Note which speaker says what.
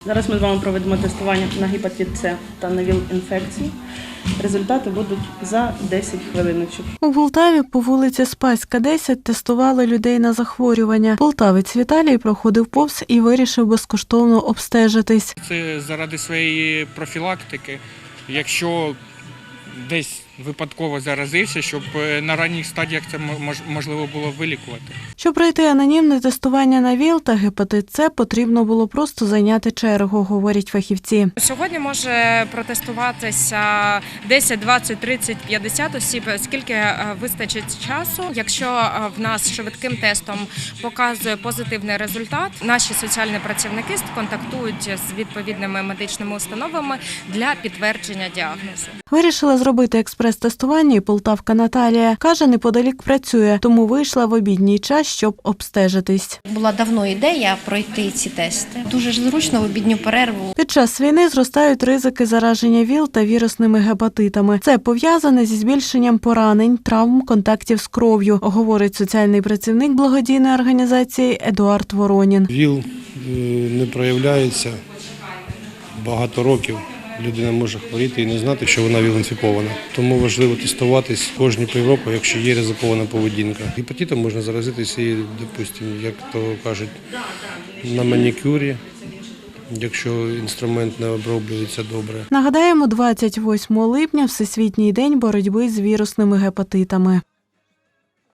Speaker 1: Зараз ми з вами проведемо тестування на гепатит С та на ВІЛ-інфекцію. Результати будуть за 10 хвилиночок.
Speaker 2: У Полтаві по вулиці Спаська, 10 тестували людей на захворювання. Полтавець Віталій проходив повз і вирішив безкоштовно обстежитись.
Speaker 3: Це заради своєї профілактики. Якщо десь випадково заразився, щоб на ранніх стадіях це можливо було вилікувати.
Speaker 2: Щоб пройти анонімне тестування на ВІЛ та гепатит С, потрібно було просто зайняти чергу, говорять фахівці.
Speaker 4: Сьогодні може протестуватися 10, 20, 30, 50 осіб, скільки вистачить часу. Якщо в нас швидким тестом показує позитивний результат, наші соціальні працівники контактують з відповідними медичними установами для підтвердження діагнозу.
Speaker 2: Вирішила зробити експрес-тестування і полтавка Наталія. Каже, неподалік працює, тому вийшла в обідній час, щоб обстежитись.
Speaker 5: Була давно ідея пройти ці тести. Дуже ж зручно в обідню перерву.
Speaker 2: Під час війни зростають ризики зараження ВІЛ та вірусними гепатитами. Це пов'язане зі збільшенням поранень, травм, контактів з кров'ю, говорить соціальний працівник благодійної організації Едуард Воронін.
Speaker 6: ВІЛ не проявляється багато років. Людина може хворіти і не знати, що вона ВІЛ-інфікована. Тому важливо тестуватись кожні півроку, якщо є ризикована поведінка. Гепатитом можна заразитися і, допустимо, як то кажуть, на манікюрі, якщо інструмент не оброблюється добре.
Speaker 2: Нагадаємо, 28 липня – Всесвітній день боротьби з вірусними гепатитами.